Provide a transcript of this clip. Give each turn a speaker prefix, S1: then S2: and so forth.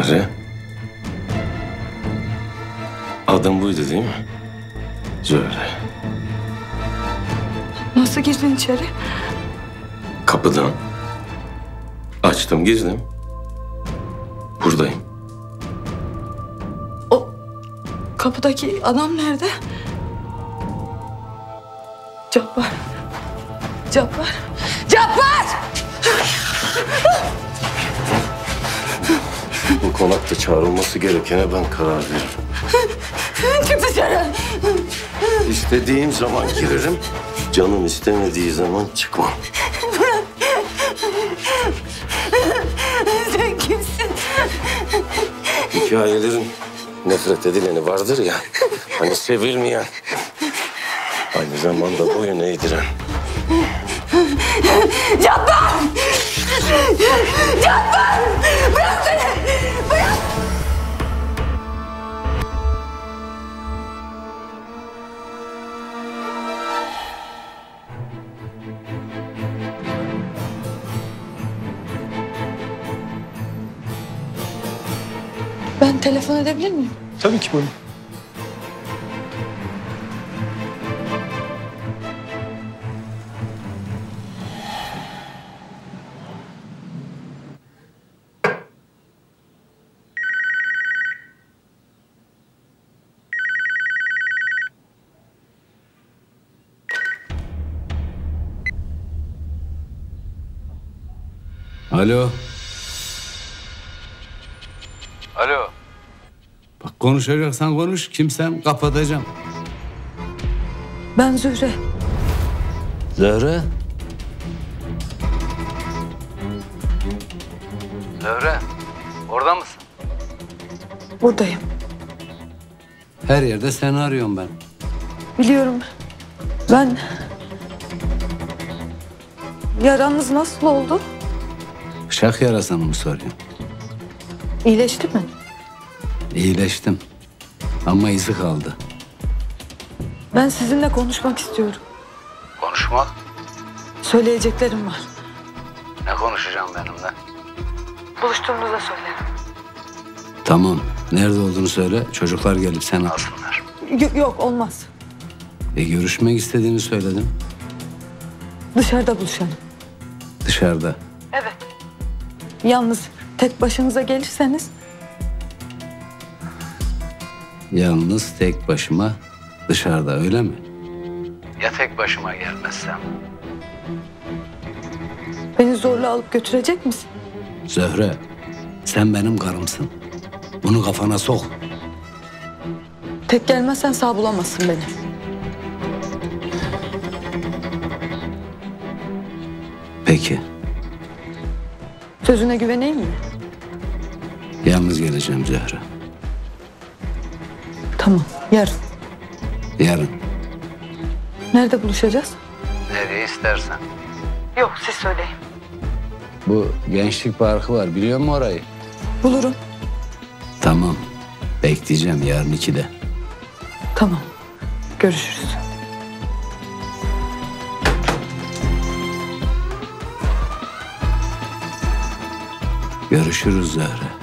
S1: Zerre. Adım buydu değil mi? Zöhre.
S2: Nasıl girdin içeri?
S1: Kapıdan. Açtım, girdim. Buradayım.
S2: O kapıdaki adam nerede? Cabbar. Cabbar. Cabbar!
S1: Bu konakta çağrılması gerekene ben karar veririm.
S2: Çık dışarı.
S1: İstediğim zaman girerim, canım istemediği zaman çıkmam.
S2: Sen kimsin?
S1: Hikayelerin nefret edileni vardır ya, hani sevilmeyen, aynı zamanda boyun eğdiren.
S2: Cabbar! Cabbar! Bırak beni! Bırak! Ben telefon edebilir miyim?
S3: Tabii ki buyurun.
S4: Alo. Alo. Bak konuşacaksan konuş. Kimsen kapatacağım.
S2: Ben Zühre.
S4: Zöhre. Zöhre. Orada mısın?
S2: Buradayım.
S4: Her yerde seni arıyorum ben.
S2: Biliyorum. Ben... Yaranız nasıl oldu?
S4: Bıçak yarasını mı soruyorsun?
S2: İyileşti mi?
S4: İyileştim. Ama izi kaldı.
S2: Ben sizinle konuşmak istiyorum.
S4: Konuşmak?
S2: Söyleyeceklerim var.
S4: Ne konuşacağım benimle?
S2: Buluştuğumuzda söylerim.
S4: Tamam. Nerede olduğunu söyle. Çocuklar gelip seni alsınlar.
S2: Yok olmaz.
S4: Görüşmek istediğini söyledim.
S2: Dışarıda buluşalım.
S4: Dışarıda.
S2: Evet. Yalnız tek başınıza gelirseniz...
S4: Yalnız tek başıma dışarıda, öyle mi? Ya tek başıma gelmezsem?
S2: Beni zorla alıp götürecek misin?
S4: Zöhre, sen benim karımsın. Bunu kafana sok.
S2: Tek gelmezsen sağ bulamazsın beni.
S4: Peki.
S2: Sözüne güveneyim mi?
S4: Yalnız geleceğim Zöhre.
S2: Tamam, yarın.
S4: Yarın.
S2: Nerede buluşacağız?
S4: Nereye istersen.
S2: Yok, siz söyleyin.
S4: Bu Gençlik Parkı var, biliyor musun orayı?
S2: Bulurum.
S4: Tamam. Bekleyeceğim yarın 2'de.
S2: Tamam, görüşürüz.
S4: Görüşürüz Zöhre.